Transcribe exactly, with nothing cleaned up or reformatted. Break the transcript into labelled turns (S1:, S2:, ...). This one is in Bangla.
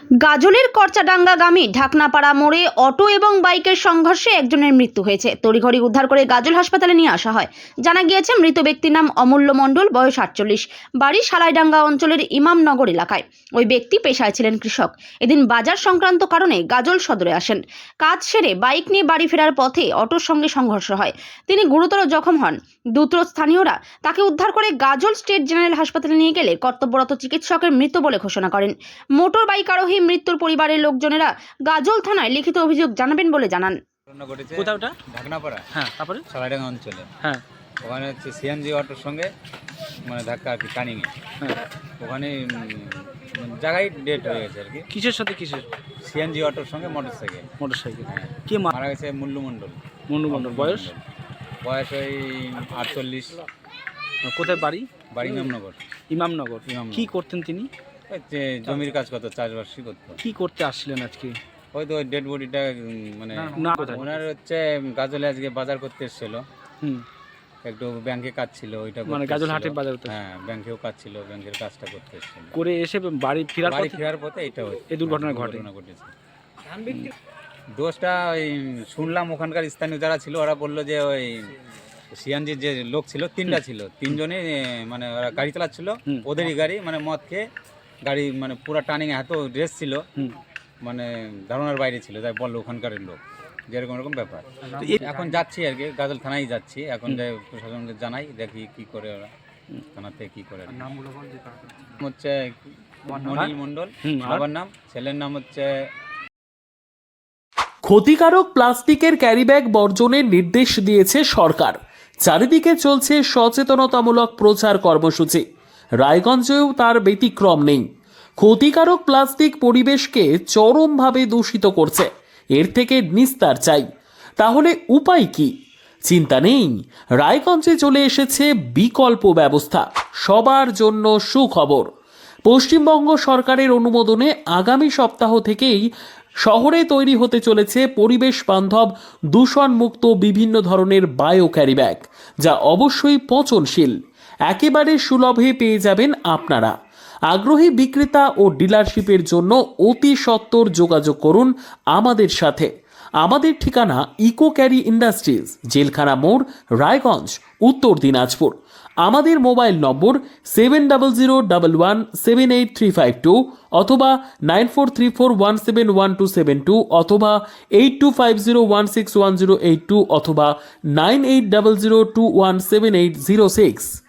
S1: গাজলের করচাডাঙ্গাগামী ঢাকনাপাড়া মোড়ে অটো এবং বাইকের সংঘর্ষে একজনের মৃত্যু হয়েছে। তড়িঘড়ি উদ্ধার করে গাজল হাসপাতালে নিয়ে আসা হয়। জানা গিয়েছে মৃত ব্যক্তির নাম অমূল্য মণ্ডল, বয়স আটচল্লিশ, বাড়ি সালাইডাঙ্গা অঞ্চলের ইমামনগর এলাকায়। ওই ব্যক্তি পেশায় ছিলেন কৃষক। এদিন বাজার সংক্রান্ত কারণে গাজল সদরে আসেন। কাজ সেরে বাইক নিয়ে বাড়ি ফেরার পথে অটোর সঙ্গে সংঘর্ষ হয়। তিনি গুরুতর জখম হন। দ্রুত স্থানীয়রা তাকে উদ্ধার করে গাজল স্টেট জেনারেল হাসপাতালে নিয়ে গেলে কর্তব্যরত চিকিৎসকের মৃত বলে ঘোষণা করেন। মোটর বাইক আরোহী মৃত্যুর পরিবারের লোকজনেরা গাজল থানায় লিখিত অভিযোগ জানাবেন বলে জানান।
S2: কোথাও ওটা
S3: ঢাকনাপাড়া,
S2: হ্যাঁ, তারপরে
S3: সালাইডাঙ্গা অঞ্চলে,
S2: হ্যাঁ
S3: ওখানে হচ্ছে সিএনজি অটোর সঙ্গে মানে ধাক্কা আর কি টার্নিংয়ে,
S2: হ্যাঁ
S3: ওখানে উম, জায়গায় ডেট হয়ে গেছে আর কি।
S2: কিসের সাথে কিসের?
S3: সিএনজি অটোর সঙ্গে মোটর সাইকেল।
S2: Motor cycle.
S3: হ্যাঁ,
S2: কে মা-
S3: মারা গেছে মুল্লু মণ্ডল।
S2: মন্ডু মন্ডল, বয়স?
S3: বয়স ওই আটচল্লিশ,
S2: কোথায় বাড়ি?
S3: বাড়ি ইমামনগর।
S2: ইমামনগর।
S3: ইমামনগর।
S2: কি করতেন তিনি?
S3: ওই যে জমির কাজ করতো, চাষবাসই করতো।
S2: কি করতে আসছিলেন আজকে?
S3: ওই তো ওই ডেড বডিটা মানে
S2: না, কোথায়?
S3: ওনার হচ্ছে গাজলে আজকে বাজার করতে এসেছিল,
S2: হুম,
S3: একটু ব্যাংকে কাজ ছিল, ওইটা
S2: মানে
S3: করতে
S2: গাজল
S3: এসেছিল।
S2: হাটের বাজার করতে
S3: হ্যাঁ, ব্যাংকেও কাজ ছিল, ব্যাংকের কাজটা করতে এসেছিল।
S2: করে এসে বাড়ি ফেরার
S3: বাড়ি
S2: পথে
S3: ফেরার পথে এটা
S2: এই দুর্ঘটনা ঘটে।
S3: ঘটেছে। দোষটা ওই শুনলাম ওখানকার স্থানীয় যারা ছিল ওরা বললো যে ওই সিএনজির যে লোক ছিল তিনটা ছিল, তিনজনই মানে ওরা গাড়ি চালাচ্ছিল,
S2: হুম।
S3: ওদেরই গাড়ি, মানে মদ খেয়ে গাড়ি মানে পুরো টার্নিং এত রেস ছিল,
S2: হুম।
S3: মানে ধারণার বাইরে ছিল, তাই বললো ওখানকার লোক যে এরকম এরকম ব্যাপার।
S2: তো এ-
S3: এখন যাচ্ছি আর কি, গাজল থানায় যাচ্ছি এখন, যে প্রশাসনকে জানাই, দেখি কি করে ওরা থানাতে কি করে। নাম হচ্ছে মনিল মণ্ডল,
S2: হুম, আর?
S3: বাবার নাম, ছেলের নাম হচ্ছে।
S4: ক্ষতিকারক প্লাস্টিকের ক্যারিব্যাগ বর্জনের নির্দেশ দিয়েছে সরকার। চারিদিকে চলছে সচেতনতামূলক প্রচার কর্মসূচি। রায়গঞ্জেও তার ব্যতিক্রম নেই। ক্ষতিকারক প্লাস্টিক পরিবেশকে চরমভাবে দূষিত করছে। এর থেকে নিস্তার চাই। তাহলে উপায় কি? চিন্তা নেই, রায়গঞ্জে চলে এসেছে বিকল্প ব্যবস্থা। সবার জন্য সুখবর। পশ্চিমবঙ্গ সরকারের অনুমোদনে আগামী সপ্তাহ থেকেই শহরে তৈরি হতে চলেছে পরিবেশ বান্ধব দূষণমুক্ত বিভিন্ন ধরনের বায়ো ক্যারিব্যাগ, যা অবশ্যই পচনশীল। একেবারে সুলভে পেয়ে যাবেন আপনারা। আগ্রহী বিক্রেতা ও ডিলারশিপের জন্য অতি সত্বর যোগাযোগ করুন আমাদের সাথে। আমাদের ঠিকানা ইকো ক্যারি ইন্ডাস্ট্রিজ, জেলখানা মোড়, রায়গঞ্জ, উত্তর দিনাজপুর। আমাদের mobile number seven double zero double one seven eight three five two অথবা nine four three four one seven one two seven two অথবা eight two five zero one six one zero eight two অথবা nine eight double zero two one seven eight zero six.